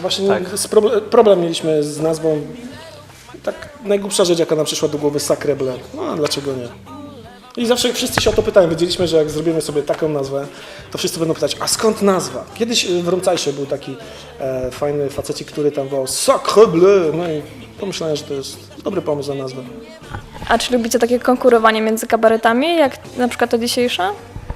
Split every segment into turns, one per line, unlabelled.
właśnie problem mieliśmy z nazwą. Tak najgłupsza rzecz, jaka nam przyszła do głowy, Sacre Bleu. No a dlaczego nie? I zawsze wszyscy się o to pytają. Wiedzieliśmy, że jak zrobimy sobie taką nazwę, to wszyscy będą pytać, a skąd nazwa? Kiedyś w Rumcajsie był taki fajny facecik, który tam wołał Sacre Bleu. No i pomyślałem, że to jest dobry pomysł na nazwę.
A czy lubicie takie konkurowanie między kabaretami, jak na przykład to dzisiejsze?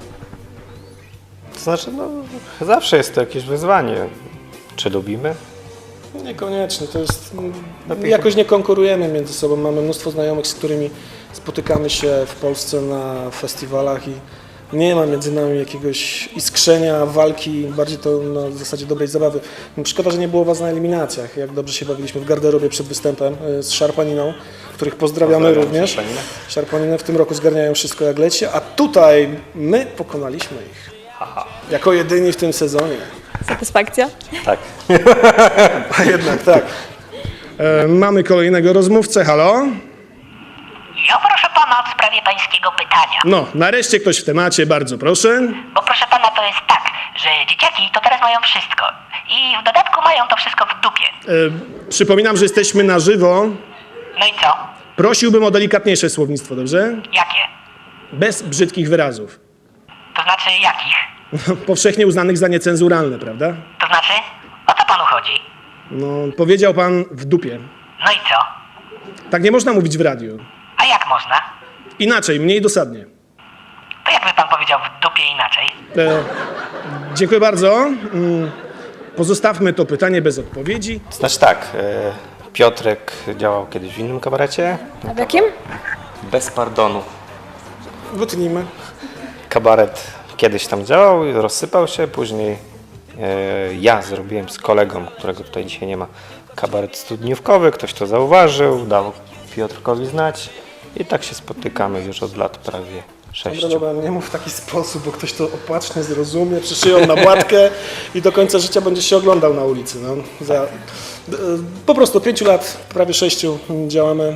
To znaczy, no, zawsze jest to jakieś wyzwanie. Czy lubimy?
Niekoniecznie, to jest... Jakoś nie konkurujemy między sobą. Mamy mnóstwo znajomych, z którymi spotykamy się w Polsce na festiwalach i nie ma między nami jakiegoś iskrzenia, walki, bardziej to na zasadzie dobrej zabawy. Szkoda, że nie było was na eliminacjach, jak dobrze się bawiliśmy w garderobie przed występem z Szarpaniną, których pozdrawiamy również. Szarpaninę w tym roku zgarniają wszystko jak leci, a tutaj my pokonaliśmy ich. Jako jedyni w tym sezonie.
Satysfakcja?
Tak.
A jednak tak. Mamy kolejnego rozmówcę, halo?
Ja proszę pana w sprawie pańskiego pytania.
No, nareszcie ktoś w temacie, bardzo proszę.
Bo proszę pana, to jest tak, że dzieciaki to teraz mają wszystko. I w dodatku mają to wszystko w dupie.
Przypominam, że jesteśmy na żywo.
No i co?
Prosiłbym o delikatniejsze słownictwo, dobrze?
Jakie?
Bez brzydkich wyrazów.
To znaczy jakich?
Powszechnie uznanych za niecenzuralne, prawda?
To znaczy? O co panu chodzi?
No, powiedział pan w dupie.
No i co?
Tak nie można mówić w radiu.
A jak można?
Inaczej, mniej dosadnie.
To jakby pan powiedział w dupie inaczej?
Dziękuję bardzo. Pozostawmy to pytanie bez odpowiedzi.
To znaczy tak, Piotrek działał kiedyś w innym kabarecie.
A w jakim?
Bez pardonu.
Wytnijmy.
Kabaret kiedyś tam działał, rozsypał się, później ja zrobiłem z kolegą, którego tutaj dzisiaj nie ma, kabaret studniówkowy, ktoś to zauważył, dał Piotrkowi znać i tak się spotykamy już od lat prawie 6.
Dobra, nie mów w taki sposób, bo ktoś to opacznie zrozumie, przyszyją na błatkę i do końca życia będzie się oglądał na ulicy. No. Po prostu od 5 lat, prawie 6 działamy.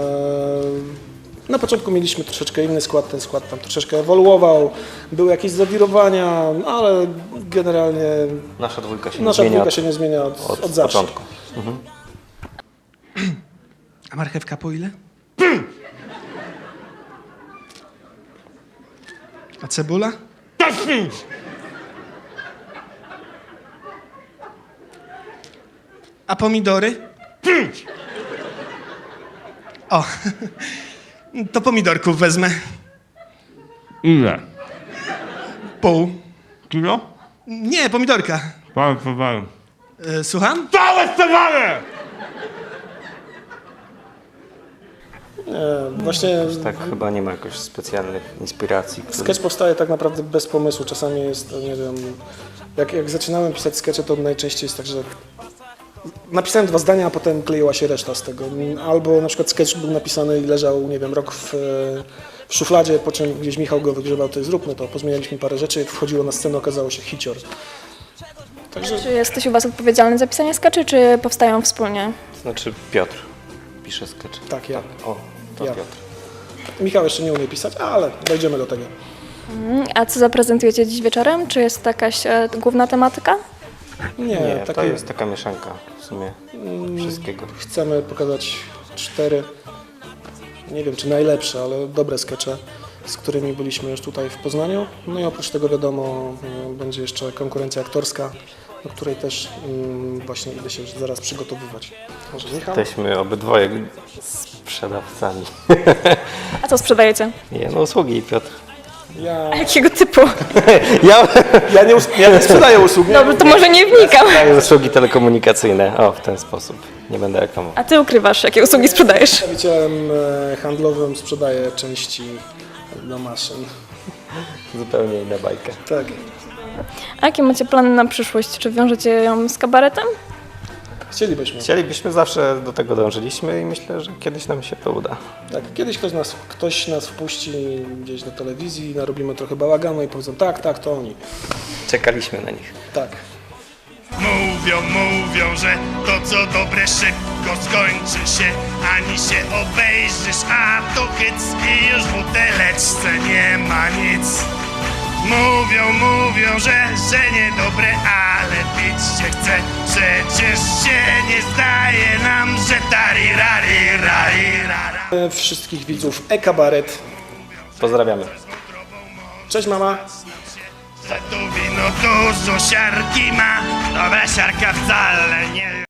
Na początku mieliśmy troszeczkę inny skład, ten skład tam troszeczkę ewoluował, były jakieś zawirowania, ale generalnie
Nasza dwójka się
nie zmienia od zawsze.
początku. Mhm.
A marchewka po ile? A cebula? A pomidory? O, to pomidorków wezmę.
Ile?
Pół.
Kilo?
Nie, pomidorka.
Pan towar.
Słucham?
Całe towary!
Właśnie
Tak chyba nie ma jakoś specjalnych inspiracji.
sketch powstaje tak naprawdę bez pomysłu. Czasami jest, nie wiem, jak zaczynałem pisać skecze, to najczęściej jest tak, że napisałem 2 zdania, a potem kleiła się reszta z tego. Albo na przykład sketch był napisany i leżał, nie wiem, rok w szufladzie, po czym gdzieś Michał go wygrzebał, to zróbmy to. Pozmienialiśmy parę rzeczy, wchodziło na scenę, okazało się hicior. Także
Czy jest ktoś u was odpowiedzialny za pisanie skaczy, czy powstają wspólnie?
To znaczy Piotr pisze sketch.
tak, ja.
O, to
Ja.
Piotr.
Michał jeszcze nie umie pisać, ale dojdziemy do tego.
A co zaprezentujecie dziś wieczorem? Czy jest to jakaś główna tematyka?
Nie, to
takie
jest taka mieszanka w sumie wszystkiego.
chcemy pokazać 4, nie wiem czy najlepsze, ale dobre skecze, z którymi byliśmy już tutaj w Poznaniu. No i oprócz tego wiadomo, będzie jeszcze konkurencja aktorska, do której też właśnie idę się już zaraz przygotowywać. Może Michał?
Jesteśmy obydwoje sprzedawcami.
A co sprzedajecie?
Nie, no usługi Piotr.
Ja,
A jakiego typu?
Ja
nie sprzedaję usług.
Dobrze, to może nie wnikam.
daję usługi telekomunikacyjne. O, w ten sposób. Nie będę reklamował.
A ty ukrywasz, jakie usługi sprzedajesz?
Przedstawicielem handlowym sprzedaję części do maszyn.
Zupełnie inna bajka.
Tak.
A jakie macie plany na przyszłość? Czy wiążecie ją z kabaretem?
Chcielibyśmy.
Chcielibyśmy, zawsze do tego dążyliśmy i myślę, że kiedyś nam się to uda.
Tak, kiedyś ktoś nas wpuści gdzieś do telewizji, narobimy trochę bałaganu i powiedzą tak, to oni.
Czekaliśmy na nich.
Tak.
Mówią, że to co dobre szybko skończy się, ani się obejrzysz, a to hyc i już w buteleczce nie ma nic. Mówią, że niedobre, ale pić się chce. Przecież się nie zdaje nam, że tarirari.
Wszystkich widzów e-kabaret.
Pozdrawiamy.
Cześć mama.
Że to wino dużo siarki ma. Dobra siarka wcale nie